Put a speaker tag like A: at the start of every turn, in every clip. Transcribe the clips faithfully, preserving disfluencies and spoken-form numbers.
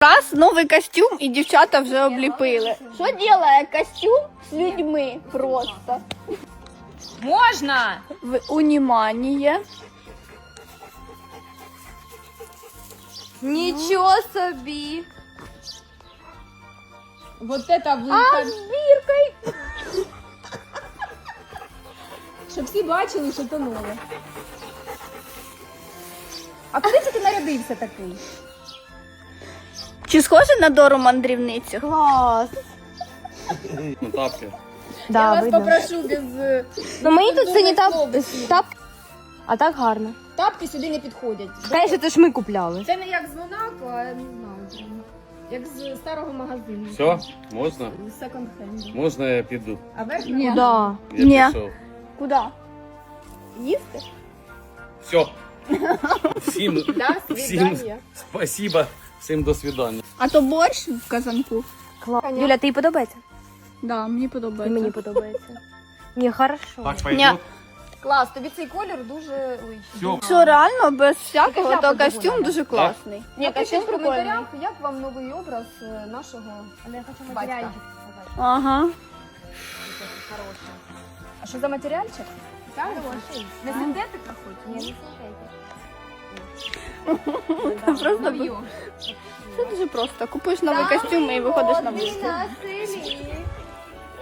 A: Раз, новий костюм і дівчата вже обліпили. Що робить костюм з людьми просто?
B: Можна!
A: Унімання.
B: Нічого собі! Вот это
A: А
B: виход.
A: з біркою?
B: Щоб всі бачили, що то нове. А куди це ти нарядився такий?
A: Чи схоже на Дору мандрівницю?
B: Клас!
C: Тапки.
B: Я вас попрошу без...
D: Ну мені тут це не тап...
B: Слово.
D: тап... А так гарно.
B: Тапки сюди не підходять.
D: Конечно, це ж ми купляли.
B: Це не як з Монако, а я не знаю. Як з старого магазину.
C: Все, можна?
B: З секонд-хенду.
C: Можна я піду?
B: А верх
A: Ні.
D: Да.
C: Я
A: Ні.
C: пішов.
A: Куди? Їсти?
C: Все. Всім,
B: До
C: всім
B: свидання.
C: спасибо, всім до свидання.
A: А то борщ в казанку?
D: Клас. Юля, тобі подобається?
A: Да, мені
D: І
A: подобається.
D: мені подобається. Ні, хорошо.
C: Так,
A: Ні.
C: пойдет?
B: Клас, тобі цей колір дуже... Ой.
C: Все.
A: Що реально, без всякого,
B: Така
A: то
B: шляпа
A: костюм
B: довольна.
A: дуже класний. Ні,
B: Напишіть
A: костюм
B: в
A: прикольний.
B: коментарях, як вам новий образ е, нашого
D: Але я хочу
B: батька.
D: матеріальчик сказати.
A: Ага.
B: А що за матеріальчик? Не синтетика хоч?
D: Ні, не
A: Просто б- Це дуже просто. Купуєш новий костюм і виходиш на вулицю.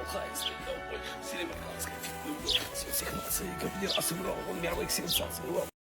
C: Сенсаций, как не раз играл, он мировых сенсаций.